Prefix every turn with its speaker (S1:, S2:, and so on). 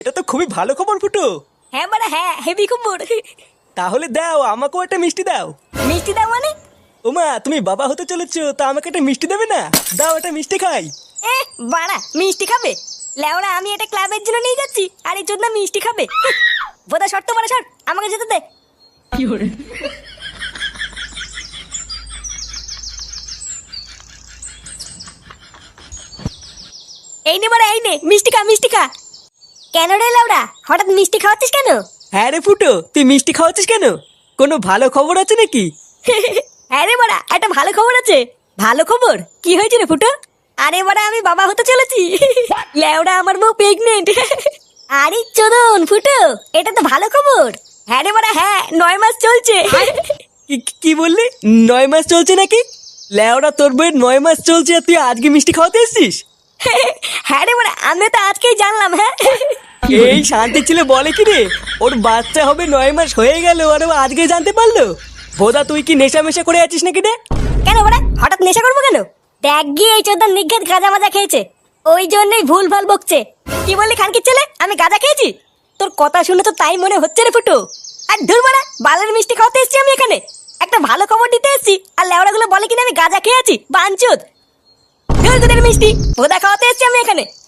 S1: এটা তো খুবই ভালো খবর ফুটো।
S2: হ্যাঁ মানে হ্যাঁ, হেভি খবর।
S1: তাহলে দাও, আমাকেও একটা মিষ্টি দাও।
S2: মিষ্টি দাও মানে?
S1: ওমা, তুমি বাবা হতে চলেছো, তা আমাকে একটা মিষ্টি দেবে না? দাও, একটা মিষ্টি খাই।
S2: এ বাড়া, মিষ্টি খাবে? লেওরা, আমি এটা ক্লাবের জন্য নিয়ে যাচ্ছি, আর এই জন্য মিষ্টি খাবে? বোধা শর্ত মানে শর্ট, আমাকে যেতে দে। এই নে বাড়া, এই নে মিষ্টি খা, মিষ্টি খা। কেন রে লেওরা, হঠাৎ মিষ্টি খাওয়াচ্ছিস কেন?
S1: হ্যাঁ রে ফুটো, তুই মিষ্টি খাওয়াচ্ছিস কেন? কোনো ভালো খবর আছে নাকি?
S2: হ্যাঁ রে বাড়া, একটা ভালো খবর আছে। ভালো খবর? কি হয়েছে রে ফুটো? আরে বাড়া, আমি বাবা হতে চলেছি। লেওরা, আমার বউ প্রেগনেন্ট। আরে চোদন ফুটো, এটা তো ভালো খবর। হ্যাঁ রে বাড়া হ্যাঁ, 9 মাস চলছে।
S1: কি বললি? 9 মাস চলছে নাকি? লেওড়া, তোর বইয়ের 9 মাস চলছে আর তুই আজকে মিষ্টি খাওয়াতে এসছিস?
S2: হ্যাঁ রে বাড়া, আমি তো আজকেই জানলাম। হ্যাঁ,
S1: এই শান্তি ছিল বলে কি রে, ওর বাচ্চা হবে 9 মাস হয়ে গেল আর ও আজকে জানতে পারলো? বোধা, তুই কি নেশা মেশা করে আছিস নাকি রে?
S2: কেন বাড়া, হঠাৎ নেশা করবো কেন? দেখ গিয়ে, এই চোদন নিঘাত গাঁজা মাজা খেয়েছে, ওই জন্যই ভুল ভাল বকছে। কি বললি খানকির ছেলে, আমি গাঁজা খেয়েছি? তোর কথা শুনে তো তাই মনে হচ্ছে রে ফুটো। আর ধুর বাড়া, বালের মিষ্টি খাওয়াতে এসেছি আমি এখানে, একটা ভালো খবর দিতে এসেছি, আর লেওড়া গুলো বলে কিনা আমি গাঁজা খেয়েছি। বাঞ্চোদ, ধুর তোদের মিষ্টি, ভোদা খাওয়াতে এসেছি আমি এখানে।